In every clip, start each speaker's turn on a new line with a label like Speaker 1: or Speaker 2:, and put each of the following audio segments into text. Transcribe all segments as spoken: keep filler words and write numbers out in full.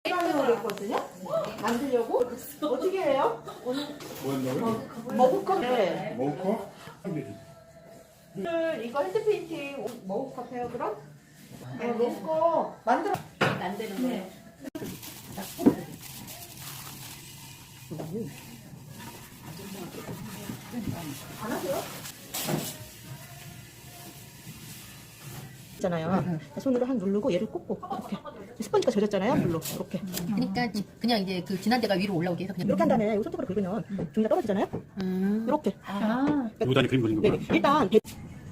Speaker 1: 라면을 했거든요. 만들려고 어떻게 해요? 오늘
Speaker 2: 뭐 한다고요?
Speaker 1: 머그컵 네.
Speaker 2: 먹고?
Speaker 1: 오늘 이거 핸드 페인팅 머그컵 해요 그럼? 네, 먹고 만들어
Speaker 3: 만드는 거예요.
Speaker 1: 안 하세요?
Speaker 4: 있잖아요. 손으로 한 누르고 얘를 꽂고 이렇게 스펀지가 젖었잖아요. 물로 이렇게
Speaker 3: 그러니까 지- 그냥 이제 그 진한 데가 위로 올라오게 해서 그냥
Speaker 4: 이렇게 한 다음에 이 손톱으로 긁으면 종이가 떨어지잖아요.
Speaker 3: 음.
Speaker 4: 이렇게
Speaker 3: 아.
Speaker 2: 요단이 그림 그리는
Speaker 4: 네,
Speaker 2: 거구나.
Speaker 4: 일단 배-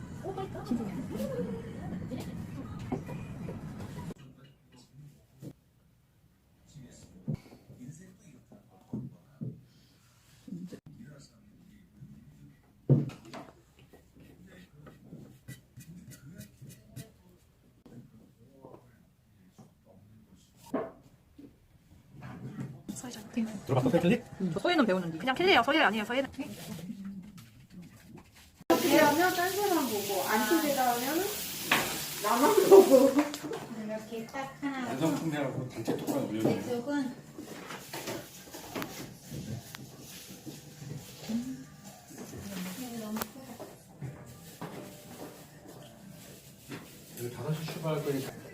Speaker 2: 들어봤어, 패틀리?
Speaker 5: 저 소예는 배우는데 그냥 캘리예요. 소예 아니에요. 소예는
Speaker 1: 어떻게 하면 딴 사람 보고 안 틀리다 하면 나만 보고
Speaker 6: 이렇게 딱 하나
Speaker 2: 완성품이라고 단체 톡방 올려주는
Speaker 6: 쪽은
Speaker 2: 다섯 시 출발할 거니까.